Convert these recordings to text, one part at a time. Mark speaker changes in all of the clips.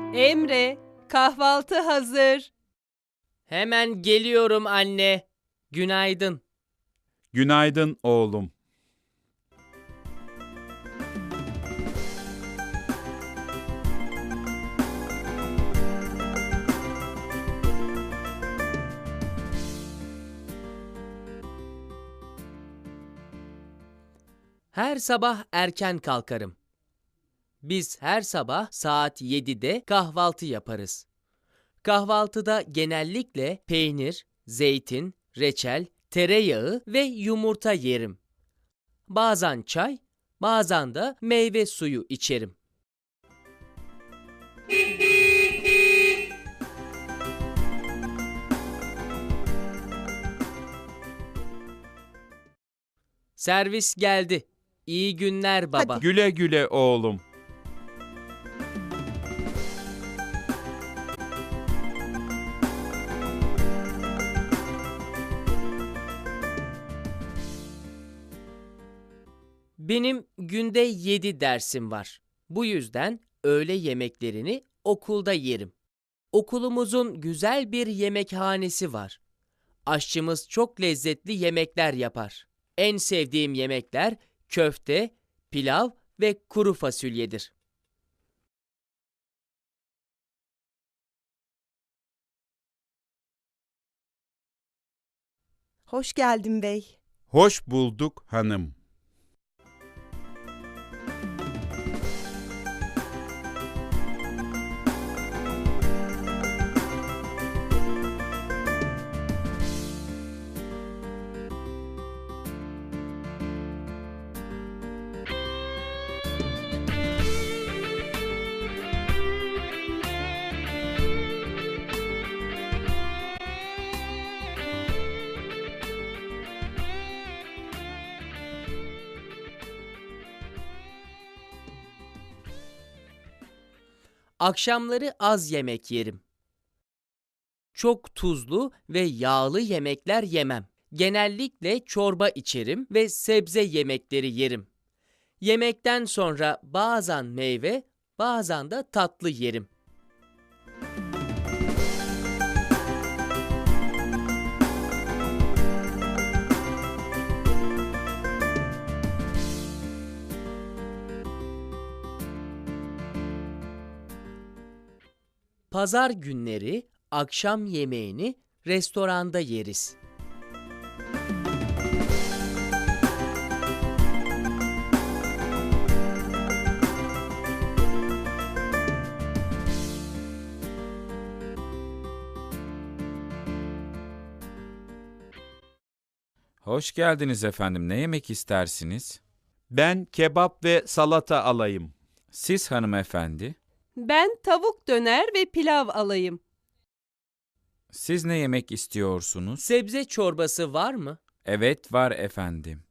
Speaker 1: Emre, kahvaltı hazır.
Speaker 2: Hemen geliyorum anne. Günaydın.
Speaker 3: Günaydın oğlum.
Speaker 2: Her sabah erken kalkarım. Biz her sabah saat 7'de kahvaltı yaparız. Kahvaltıda genellikle peynir, zeytin, reçel, tereyağı ve yumurta yerim. Bazen çay, bazen de meyve suyu içerim. Servis geldi. İyi günler baba.
Speaker 3: Güle güle oğlum.
Speaker 2: Benim günde 7 dersim var. Bu yüzden öğle yemeklerini okulda yerim. Okulumuzun güzel bir yemekhanesi var. Aşçımız çok lezzetli yemekler yapar. En sevdiğim yemekler köfte, pilav ve kuru fasulyedir.
Speaker 4: Hoş geldin bey.
Speaker 3: Hoş bulduk hanım.
Speaker 2: Akşamları az yemek yerim. Çok tuzlu ve yağlı yemekler yemem. Genellikle çorba içerim ve sebze yemekleri yerim. Yemekten sonra bazen meyve, bazen de tatlı yerim. Pazar günleri akşam yemeğini restoranda yeriz.
Speaker 5: Hoş geldiniz efendim. Ne yemek istersiniz?
Speaker 3: Ben kebap ve salata alayım.
Speaker 5: Siz hanımefendi,
Speaker 1: Ben tavuk döner ve pilav alayım.
Speaker 5: siz ne yemek istiyorsunuz?
Speaker 2: Sebze çorbası var mı?
Speaker 5: Evet, var efendim.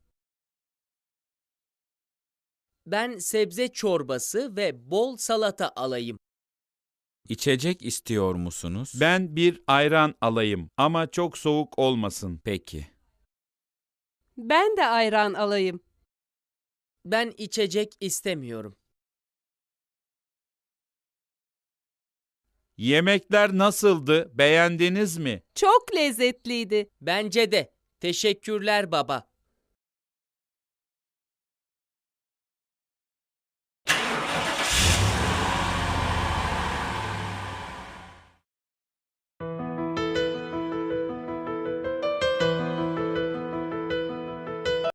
Speaker 2: Ben sebze çorbası ve bol salata alayım.
Speaker 5: İçecek istiyor musunuz?
Speaker 3: Ben bir ayran alayım ama çok soğuk olmasın.
Speaker 5: Peki.
Speaker 1: Ben de ayran alayım.
Speaker 2: Ben içecek istemiyorum.
Speaker 3: Yemekler nasıldı? Beğendiniz mi?
Speaker 1: Çok lezzetliydi.
Speaker 2: Bence de. Teşekkürler baba.